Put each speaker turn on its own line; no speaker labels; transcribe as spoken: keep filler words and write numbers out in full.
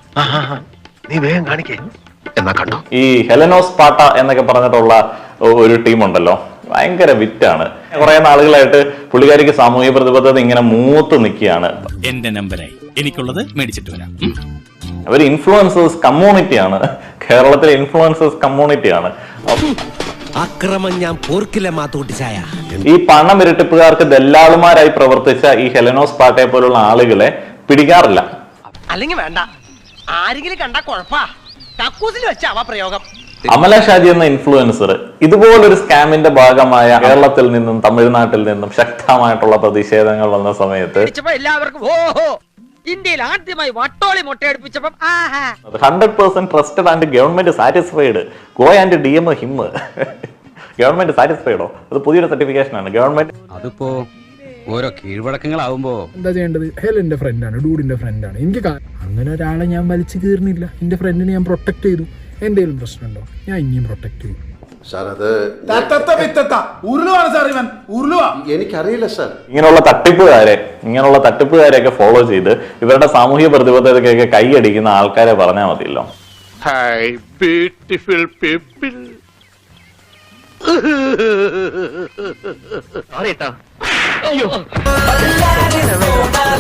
നീ വേഗം കാണിക്കേ എന്നാ കണ്ടോ.
ഈ ഹെലനോസ് പാട്ട എന്നൊക്കെ പറഞ്ഞിട്ടുള്ള ഒരു ടീമുണ്ടല്ലോ, ഭയങ്കര വിറ്റാണ്. കുറെ നാളുകളായിട്ട് പുള്ളിക്കാരിക്ക് സാമൂഹ്യ പ്രതിബദ്ധത ഇങ്ങനെ മൂത്ത് നിൽക്കുകയാണ്.
എന്റെ നമ്പറായി എനിക്കുള്ളത് മേടിച്ചിട്ട് വരാം.
അവർ ഇൻഫ്ലുവൻസേഴ്സ് കമ്മ്യൂണിറ്റിയാണ്, കേരളത്തിലെ ഇൻഫ്ലുവൻസേഴ്സ് കമ്മ്യൂണിറ്റിയാണ്.
അക്രമം ഞാൻ പോർക്കില്ല മാത്തൂട്ടിച്ചായ.
ഈ പണം ഇരട്ടിപ്പുകാർക്ക് ദല്ലാളുമാരായി പ്രവർത്തിച്ച ഈ ഹെലനോസ് പാട്ടയെ പോലുള്ള ആളുകളെ പിടിക്കാറില്ല.
അല്ലെങ്കിൽ വേണ്ട, ആരെങ്കിലും കണ്ടാ കുഴപ്പാ, കക്കൂസിൽ വെച്ചാവാ പ്രയോഗം.
അമല ഷാജി എന്ന ഇൻഫ്ലുവൻസർ ഇതുപോലൊരു സ്കാമിന്റെ ഭാഗമായ കേരളത്തിൽ നിന്നും തമിഴ്നാട്ടിൽ നിന്നും ശക്തമായിട്ടുള്ള പ്രതിഷേധങ്ങൾ വന്ന സമയത്ത്
എല്ലാവർക്കും ഓഹോ, ഇന്ത്യയിൽ ആദ്യമായി വട്ടോളി മുട്ടയടിപ്പിച്ചപ്പം
hundred percent trusted and government satisfied go and D M him. Government സാറ്റിസ്ഫൈഡോ? അത് പുതിയൊരു സർട്ടിഫിക്കേഷൻ ആണ്. ഗവൺമെന്റ്
അതിപ്പോ ഓരോ കീഴ്വഴക്കങ്ങളാവുമ്പോ
എന്താ ചെയ്യേണ്ടത്? ഹെലന്റെ ഫ്രണ്ടാണ്, ഡൂഡിന്റെ ഫ്രണ്ടാണ്. എനിക്ക് അങ്ങനെ ഒരാളെ ഞാൻ വലിച്ചു കീറുന്നില്ല. എന്റെ ഫ്രണ്ടിനെ ഞാൻ പ്രൊട്ടക്ട് ചെയ്തു. എന്തെങ്കിലും പ്രശ്നമുണ്ടോ? ഞാൻ ഇനിയും പ്രൊട്ടക്ട് ചെയ്യും.
എനിക്കറിയില്ല സാർ.
ഇങ്ങനെയുള്ള തട്ടിപ്പുകാരെ ഇങ്ങനെയുള്ള തട്ടിപ്പുകാരെയൊക്കെ ഫോളോ ചെയ്ത് ഇവരുടെ സാമൂഹ്യ പ്രതിബദ്ധതയ്ക്കൊക്കെ കൈയടിക്കുന്ന ആൾക്കാരെ പറഞ്ഞാൽ മതിയല്ലോ.
Hi beautiful people.